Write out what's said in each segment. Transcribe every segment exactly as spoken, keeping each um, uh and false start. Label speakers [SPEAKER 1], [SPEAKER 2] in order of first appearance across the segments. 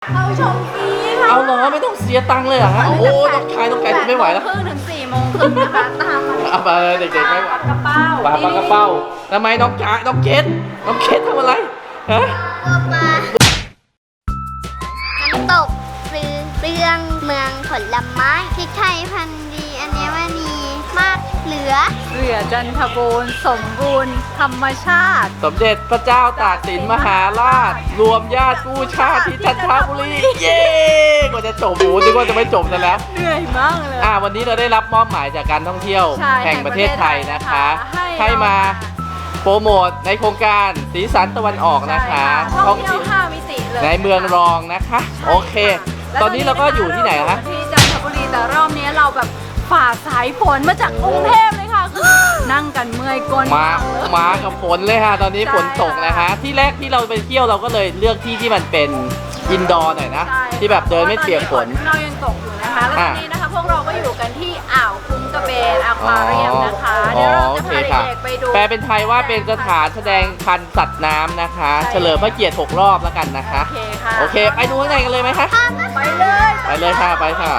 [SPEAKER 1] เข้าชมฟรีค่ะ
[SPEAKER 2] เอาเหรอไม่ต้องเสียตังค์เลยเหรอฮะโอ้ต้องขายต้องไก่ไม่ไหวแล้ว
[SPEAKER 1] ครึ่งถึงสี่โมงครึ่งนะคะตามมา
[SPEAKER 2] เอาไปเลยเด็กๆไม่ไหว
[SPEAKER 1] กระเป๋า
[SPEAKER 2] ปลาปลากระเป้าทำไมน้องจ๋าน้องเกดน้องเกดทำอะไรฮะ
[SPEAKER 3] ตัวปลาน้ำตกปลือเปลืองเมืองผลไม้พริกไทยพันธุ์ดีอัญมณีมากเหลือ
[SPEAKER 1] เหลือจันทบูรณ์สมบูรณ์ธรรมชาติ
[SPEAKER 2] สมเด็จพระเจ้าตากสินมหาราช รวมญาติกู้ชาติที่จันทบุรีเย้กว่าจะจบโอ้นึกว่าจะไม่จบซะแล้ว
[SPEAKER 1] เหนื่อยมากเลย
[SPEAKER 2] อ่าวันนี้เราได้รับมอบหมายจากการท่องเที่ยว
[SPEAKER 1] ใช่
[SPEAKER 2] แห่งประเทศไทยนะคะ
[SPEAKER 1] ให้
[SPEAKER 2] ให้มาโปรโมทในโครงการสีสันตะวันออกนะคะ
[SPEAKER 1] ท่องเที่ยวห้ามิติเลย
[SPEAKER 2] ในเมืองรองนะคะ โอเค ตอนนี้เราก็อยู่ที่ไหนคะ
[SPEAKER 1] ที่จันทบุรีแต่รอบนี้เราแบบฝ่าสายฝนมาจากกรุงเทพเลยค่ะคือนั่งกันเมื่อยก้น
[SPEAKER 2] มา
[SPEAKER 1] กเลย
[SPEAKER 2] มากับฝนเลยค่ะ ตอนนี้
[SPEAKER 1] ใช่
[SPEAKER 2] ฝนตกนะคะ ที่แรกที่เราไปเที่ยวเราก็เลยเลือกที่ที่มันเป็นอินดอร์หน่อยนะ
[SPEAKER 1] ใช่
[SPEAKER 2] ที่แบบเดินไม่เปียกฝน
[SPEAKER 1] เรายังตกอยู่นะคะแล้วตอนนี้นะคะพวกเราก็อยู่กันที่อ่าวคุ้งกระเบนอควาเรียมนะคะ
[SPEAKER 2] อ๋อ
[SPEAKER 1] เดี๋ยวเรา
[SPEAKER 2] โอ
[SPEAKER 1] จะ
[SPEAKER 2] เค
[SPEAKER 1] พา
[SPEAKER 2] ค่ะ
[SPEAKER 1] เด็กๆไปดู
[SPEAKER 2] แปลเป็นไทยว่าเป็นสถานแสดงพันธุ์สัตว์น้ำนะคะ
[SPEAKER 1] ใช่
[SPEAKER 2] เฉลิมพระเกียรติหกรอบแล้วกันนะคะ
[SPEAKER 1] โอเคค่ะ
[SPEAKER 2] โอเค ไปดูข้างในกันเลยไหมคะ
[SPEAKER 1] ไปเลย
[SPEAKER 2] ไปเลยค่ะ ไปค่ะ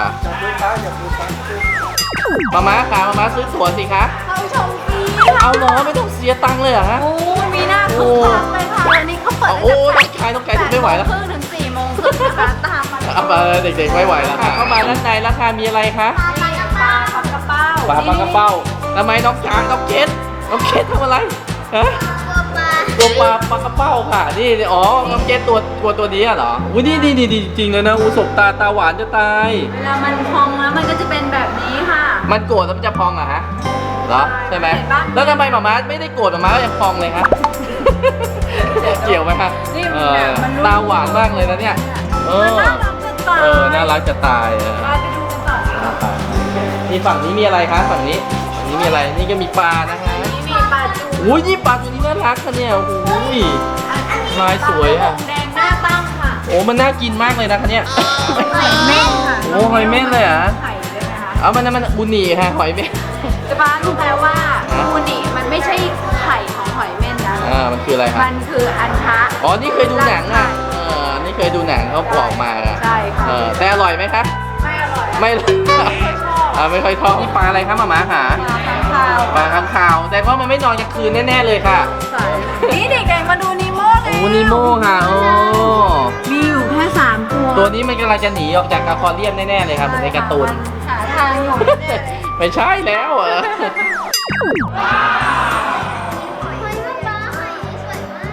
[SPEAKER 2] มาม้าค่ะมาม้าซื้อตั๋วสิคะ
[SPEAKER 1] เข้าชมฟรีค่ะ
[SPEAKER 2] เอาเหรอไม่ต้องเสียตังค์เลยเหรอฮะ
[SPEAKER 1] โอ้มีหน้าคึกคักเลยค่ะวันนี้เขาเปิด
[SPEAKER 2] โอ้ต้องขายต้องไก่ไม่ไหวแล้ว
[SPEAKER 1] ครึ่งถึงสี่โมงครึ่งนะคะตามมา
[SPEAKER 2] เอาไปเลยเด็กๆไม่ไหวแล้วค่ะเข้ามาด้านในราคามีอะไรคะ
[SPEAKER 1] ปลาปลากระเป๋า
[SPEAKER 2] ปลาปลากระเป้าทำไมน้องจ๋าน้องเกดน้องเกดทำอะไรฮะ
[SPEAKER 3] ตัวปลา
[SPEAKER 2] ตัวปลาปลากระเป้าค่ะ นี่นี่อ๋อ น้องเกดตัวตัวตัวนี้อะเหรออุ้ยนี่นี่นี่จริงๆเลยนะอูสบตาตาหวานจะตาย
[SPEAKER 1] เวลามันพองแล้วมันก็จะเป็นแบบนี้ค่ะ
[SPEAKER 2] มันโกรธแล้วมันจะพองอะฮะ เหรอ ใช่ไหม
[SPEAKER 1] เห็นปะ
[SPEAKER 2] แล้วทำไมหมาม้าไม่ได้โกรธหมาม้าก็ยังพองเลยฮะ เกี่ยวไหมฮะ
[SPEAKER 1] นี่
[SPEAKER 2] เอ
[SPEAKER 1] มัน
[SPEAKER 2] อ
[SPEAKER 1] แบบมันนุ่ม
[SPEAKER 2] ตาหวานมากเลยนะเนี่ย เอ
[SPEAKER 1] มัน
[SPEAKER 2] อ
[SPEAKER 1] น่ารักจะตาย
[SPEAKER 2] เออ น่ารักจะตายเออ
[SPEAKER 1] ไปดูกันต่อค่ะ
[SPEAKER 2] นี่ฝั่งนี้มีอะไรคะฝั่งนี้ฝั่งนี้มีอะไร นี่ก็มีปลานะคะ
[SPEAKER 1] นี่มีปลาจู
[SPEAKER 2] อุ้ยนี่ปลาตัวนี้น่ารักค่ะเนี่ย โอ้โหลายสวยอ่ะ
[SPEAKER 1] แดงหน้าตั้งค่ะ
[SPEAKER 2] โอ้ มันน่ากินมากเลยนะคะเนี่ย
[SPEAKER 1] หอยเม่นค่ะ
[SPEAKER 2] โอ้หอยเม่นเลยเหรอ
[SPEAKER 1] ไข่เลยนะคะ
[SPEAKER 2] เอามันมันอุนีค่ะหอยเม่น
[SPEAKER 1] จะบ้ารู้ไหมว่า
[SPEAKER 2] ฮะ
[SPEAKER 1] อูนิมันไม่ใช่ไข่ของหอยเม่นนะ
[SPEAKER 2] อ่า มันคืออะไรคะ
[SPEAKER 1] มันคืออันทะ
[SPEAKER 2] อ๋อ นี่เคยดูหนังอ่ะ เออ นี่เคยดูหนังเขาบอกมาอ่ะ
[SPEAKER 1] ใช่ค่ะ
[SPEAKER 2] เออ แต่อร่อยไหมคะ
[SPEAKER 1] ไม่อร่อย
[SPEAKER 2] ไม่ อ่าไม่ค่อยชอบนี่ปลาอะไรครับหมาหมาหา
[SPEAKER 1] ปลาข้างคาว
[SPEAKER 2] ปลาข้างคาว แต่ว่ามันไม่นอนกลางคืนแน่ๆเลยค่ะ
[SPEAKER 1] ใส่นี่เด็กๆมาดูนีโม่เลย
[SPEAKER 2] โอ้นิโม่ค่ะ โอ้
[SPEAKER 1] มีอยู่แค่สามตัว
[SPEAKER 2] ตัวนี้มันกำลังจะหนีออกจากอะควาเรียมแน่ๆเลยครับเหมือนในการ์ตูน
[SPEAKER 1] หาทางอยู่แน่เลย
[SPEAKER 2] ไม่ใช่แล้วเหรอ
[SPEAKER 3] หอยนางรมหอยสวยมาก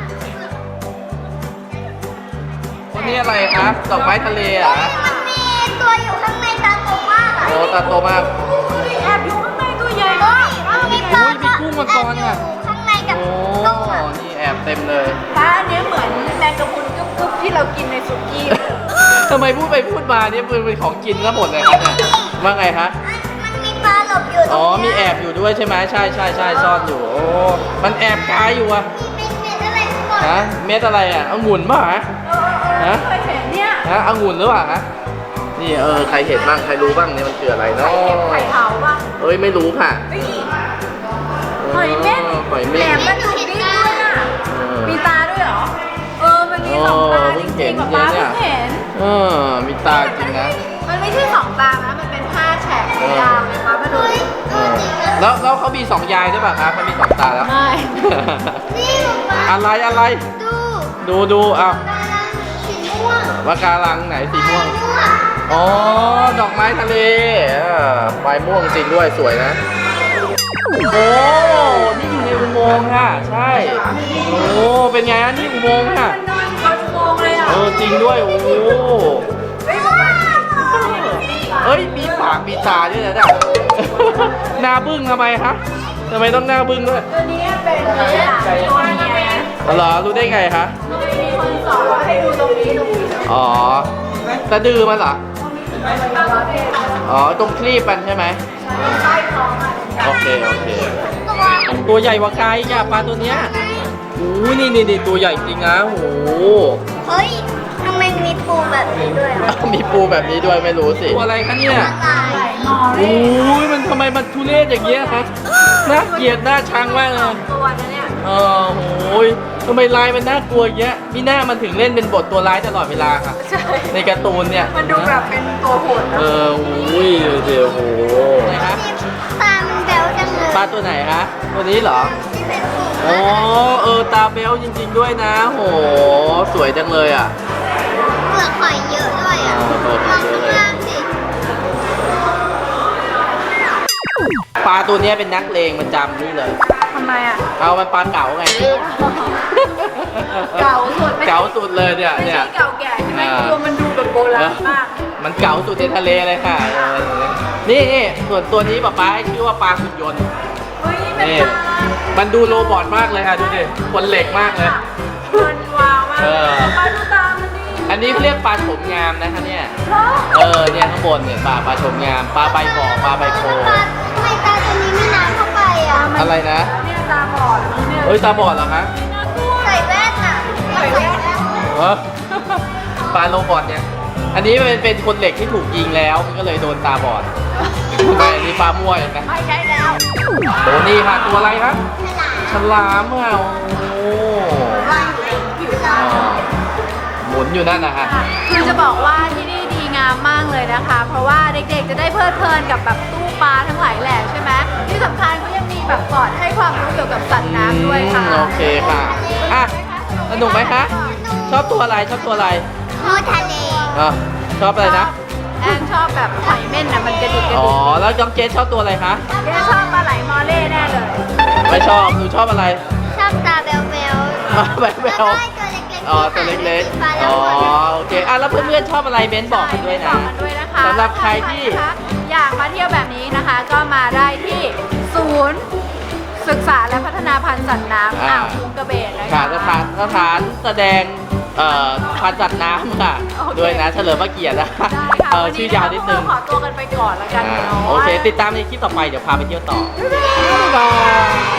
[SPEAKER 2] วันนี้อะไรครับดอกไม้ทะเลเหรอ่ะ
[SPEAKER 3] มันมีตัวอยู่ข้างในตาโตมากอ่ะ
[SPEAKER 2] โอ้ตาโตมาก
[SPEAKER 1] แอบอยู่ข้างในตัวใหญ่มาก
[SPEAKER 3] มีปลา
[SPEAKER 2] อุ้ยมีกุ้งมังกรอ่ะ
[SPEAKER 3] อยู่ข้างในกับ
[SPEAKER 2] โอ้
[SPEAKER 3] กุ้งอ่ะ
[SPEAKER 2] นี่แอบเต็มเลย
[SPEAKER 1] ปลาอันนี้เหมือนแมงกะพรุนกึ๊บๆที่เรากินในสุกี้
[SPEAKER 2] ทำไมพูดไปพูดมาเนี่ยเป็นของกินแล้วหมดเลยครับเนี่ยว่าไงฮะ
[SPEAKER 3] มันมีปลาหลบอยู่ตรง
[SPEAKER 2] อ๋อ
[SPEAKER 3] เนี้ย
[SPEAKER 2] มีแอบอยู่ด้วยใช่ไหมใช่ใช่ใช่ซ่อนอยู่ โอ้ มันแอบกายอยู่อะ
[SPEAKER 3] มีเม็ดอะไรก่อน
[SPEAKER 2] ฮะ เม็ดอะไรอะองุ่นป่ะฮะ
[SPEAKER 1] เออเคยเห็นเนี่ย
[SPEAKER 2] ฮะองุ่นหรือเปล่าฮะ นี่เออ ใครเห็นบ้าง ใครรู้บ้างเนี่ยมันคืออะไรเนาะ
[SPEAKER 1] ไข่เค็มไข่เผาป่ะ
[SPEAKER 2] เอ้ย ไม่รู้ค่ะ
[SPEAKER 1] เฮ้ยหอยเม่น
[SPEAKER 2] หอย
[SPEAKER 1] แหล
[SPEAKER 2] เม่น
[SPEAKER 1] มมันดูดิ้นด้วยน่ะ
[SPEAKER 2] เออ
[SPEAKER 1] มีตาด้วยเหรอ เออ มันมีสองตา
[SPEAKER 2] เออ
[SPEAKER 1] จ
[SPEAKER 2] เพิ่งเห็
[SPEAKER 1] ริ
[SPEAKER 2] น
[SPEAKER 1] งๆป๊า
[SPEAKER 2] เนี่
[SPEAKER 1] ป๊าย เพิ่งเห็น
[SPEAKER 2] เออ มีตาจริงนะ
[SPEAKER 1] มันไม่ใช่สองตานะ มันเป็นห้าแฉกยาวเลยป๊ามาดูดิ
[SPEAKER 2] เออแล้วแล้วเขามีสองยายด้วยป่ะครับเขามีสองตาแล้ว
[SPEAKER 1] ไม่
[SPEAKER 3] นี่ปลา
[SPEAKER 2] อะไรอะไร
[SPEAKER 3] ดู
[SPEAKER 2] ดูดูอ้าว
[SPEAKER 3] ปลาลังสีม่วง
[SPEAKER 2] ปะการังไหนสีม่วง
[SPEAKER 3] ม่วง
[SPEAKER 2] อ๋อ ดอกไม้ทะเลอ่าใบม่วงจริงด้วยสวยนะ โอ้ นี่อยู่ในอุโมงค์ค่ะ ใช่ โอ้ เป็นไงอันนี่อุโมงค์ค่ะ
[SPEAKER 1] มันนอนอยู่บนอุโมงค์เลยอ่ะ
[SPEAKER 2] เออจริงด้วย โอ้
[SPEAKER 1] เฮ้ยป๊าป๊า
[SPEAKER 2] เอ้ย มีปากมีตาด้วยนะเนี่ย หน้าบึ้งทำไมคะทำไมต้องหน้าบึ้งด้วย
[SPEAKER 1] ตัวนี้เป็นตัวเมียนะ
[SPEAKER 2] เหรอรู้ได้ไงคะ
[SPEAKER 1] มีคนสอนว่าให้ดูตรงนี้ตรงนี้
[SPEAKER 2] อ๋อสะดือมันเหรอ
[SPEAKER 1] ตาประเภท
[SPEAKER 2] อ๋อ ตรงคลีบมันใช่ไหม
[SPEAKER 1] ใต้ท้องอ่ะ
[SPEAKER 2] โอเค โอเค
[SPEAKER 3] ตัว
[SPEAKER 2] ตัวใหญ่กว่าไก่จ้ะปลาตัวเนี้ยโอ้ยนี่นี่นี่ตัวใหญ่จริงนะโอ้โห
[SPEAKER 3] เฮ้ยทำไมมีปูแบบนี้ด้วยอ่ะ
[SPEAKER 2] มีปูแบบนี้ด้วยไม่รู้สิตัวอะไรคะเนี่ย
[SPEAKER 3] ตาย
[SPEAKER 1] มอ
[SPEAKER 2] โอ้
[SPEAKER 1] เร่
[SPEAKER 2] ยมันทำไมมันทุเรศอย่างเงี้ยครับน่าเกลียดน่าชังมากเลย
[SPEAKER 1] ตัวนะเนี่ย
[SPEAKER 2] เออโอ้ยทำไมลายมันน่ากลัวอย่างเงี้ยมีหน้ามันถึงเล่นเป็นบทตัวร้ายตลอดเวลาค่ะ
[SPEAKER 1] ใช่
[SPEAKER 2] ในการ์ตูนเนี่ย
[SPEAKER 1] มันดูแบบเป็นตัวโหด
[SPEAKER 2] เอ
[SPEAKER 1] นะ
[SPEAKER 2] ออุ้ยดูสิโอ้โหไหนคะ
[SPEAKER 3] ตามันแบวจังเลย
[SPEAKER 2] ปลาตัวไหนคะตัวนี้เหรอ
[SPEAKER 3] ที่เป็นสี
[SPEAKER 2] อ๋อเออตาเบลจริง ๆด้วยนะโหสวยจังเลยอ่ะ
[SPEAKER 3] เปลือกหอยเยอะด้วยอ่ะ
[SPEAKER 2] อ่าเปลือกห
[SPEAKER 3] ม
[SPEAKER 2] อ
[SPEAKER 3] อย ง
[SPEAKER 2] เยอะเลย
[SPEAKER 3] ข้างล่างสิ
[SPEAKER 2] ปลาตัวเนี้ยเป็นนักเลงประจำนี่เลย
[SPEAKER 1] ทำไมอ่ะ
[SPEAKER 2] เอามันปลาเก๋าไง
[SPEAKER 1] เก่าสุดไม่ใช่
[SPEAKER 2] เก๋าสุดเลยเนี่ย
[SPEAKER 1] ไม่
[SPEAKER 2] เนี่
[SPEAKER 1] ใช่
[SPEAKER 2] ย
[SPEAKER 1] เก่าแก่ใช่ไหม
[SPEAKER 2] อ่า
[SPEAKER 1] ตัวมันดูแบบโบราณมาก
[SPEAKER 2] มันเก๋าสุดในทะเลเลยค่ะเออนี่นี่ส่วนตัวนี้ป๊าป๊าให้ชื่อว่าปลาหุ่นยนต์
[SPEAKER 1] เฮ้ยเป็น
[SPEAKER 2] นี่
[SPEAKER 1] ปลา
[SPEAKER 2] มันดูโรบอทมากเลยค่ะดูดิคนเหล็กมากเลย
[SPEAKER 1] มันว้าวมาก
[SPEAKER 2] เออ
[SPEAKER 1] ปลาดูตามันดิ
[SPEAKER 2] อันนี้เขาเรียกปลาโฉมงามนะคะเนี่ย
[SPEAKER 1] เหรอ
[SPEAKER 2] เออเนี่ยข้างบนเนี่ยปลาปลาโฉมงามปลาใบบ่อปลาใบโพ
[SPEAKER 3] ตาทำไมตาตัวนี้ไม่น้ำเข้าไปอ่ะ
[SPEAKER 2] อะไรนะ
[SPEAKER 1] เนี่ยตาบอดเนี่ย
[SPEAKER 2] เฮ้ยตาบอดเหรอคะ
[SPEAKER 1] น่ากลัว
[SPEAKER 3] ใส่แว่นอ่ะ
[SPEAKER 1] ใส่แว่น
[SPEAKER 2] เออ ปลาโรบอทเนี่ย อันนี้มันเป็นคนเหล็กที่ถูกยิงแล้วมันก็เลยโดนตาบอดไม่อันนี้ปลามั่วเลยนะ
[SPEAKER 1] ไม่ใช่แล้ว
[SPEAKER 2] โอ้นี่ค่ะตัวอะไรคะฉลามอ่ะโอ้
[SPEAKER 1] ผิว
[SPEAKER 2] อ่า
[SPEAKER 1] ตา
[SPEAKER 2] หมุนอยู่นั่นนะฮะ
[SPEAKER 1] คือจะบอกว่าที่นี่ดีงามมากเลยนะคะ เพราะว่าเด็กๆจะได้เพลิดเพลินกับแบบตู้ปลาทั้งหลายแหล่ใช่ไหมที่สำคัญเขายังมีแบบสอนให้ความรู้เกี่ยวกับสัตว์น้ำด้วยค่ะ
[SPEAKER 2] อืมโอเคค่ะอ่ะสนุกไหมคะ ชอบตัวอะไรชอบตัวอะไร
[SPEAKER 3] มูทะเล
[SPEAKER 2] อ่ะชอบอะไรนะ
[SPEAKER 1] แอนชอบแบบหอยเม่นนะมันกระดิกกระ
[SPEAKER 2] อ๋อ
[SPEAKER 1] ดิก
[SPEAKER 2] แล้วน้องเกดชอบตัวอะไรคะ
[SPEAKER 1] แกชอบปลาไหลมอเล่แน่เลย
[SPEAKER 2] ไม่ชอบหนูชอบอะไร
[SPEAKER 3] ชอบตาแบวแบว
[SPEAKER 2] อ๋อแบ
[SPEAKER 3] แล้ว
[SPEAKER 2] บ
[SPEAKER 3] ก็ไอ้ตัวเล็กๆ
[SPEAKER 2] อ๋อตัวเล็ก
[SPEAKER 3] ที่หางเป็นสีฟ้า
[SPEAKER 2] ๆ อ๋
[SPEAKER 3] แล้
[SPEAKER 2] อ
[SPEAKER 3] วหัว
[SPEAKER 2] โอเคอ่ะแล้วเพื่อนๆชอบอะไรเม้นบอกกันด้วย
[SPEAKER 1] บ
[SPEAKER 2] นะ
[SPEAKER 1] อกกันด้วยนะคะ
[SPEAKER 2] สำหรับใครที่
[SPEAKER 1] นะคะอยากมาเที่ยวแบบนี้นะคะ ก็มาได้ที่ศูนย์ศึกษาและพัฒนาพันธุ์สัตว์น้ำอ่าวคุ้งกระเบนนะคะ
[SPEAKER 2] ค่ะสถานสถานแสดงเอ่อพันธุ์สัตว์น้ำค่ะ
[SPEAKER 1] โอเค
[SPEAKER 2] ด้วยนะเฉลิมพระเกียรตินะ
[SPEAKER 1] ได้ค่ะ
[SPEAKER 2] เออ
[SPEAKER 1] วัน
[SPEAKER 2] ชื่
[SPEAKER 1] นี้
[SPEAKER 2] อยาวนิดนึง
[SPEAKER 1] เราขอตัวกันไปก่อนแล้วกัน
[SPEAKER 2] อ่า
[SPEAKER 1] เนาะ
[SPEAKER 2] โอเค ติดตามในคลิปต่อไปเดี๋ยวพาไปเที่ยวต่อบ๊ายบาย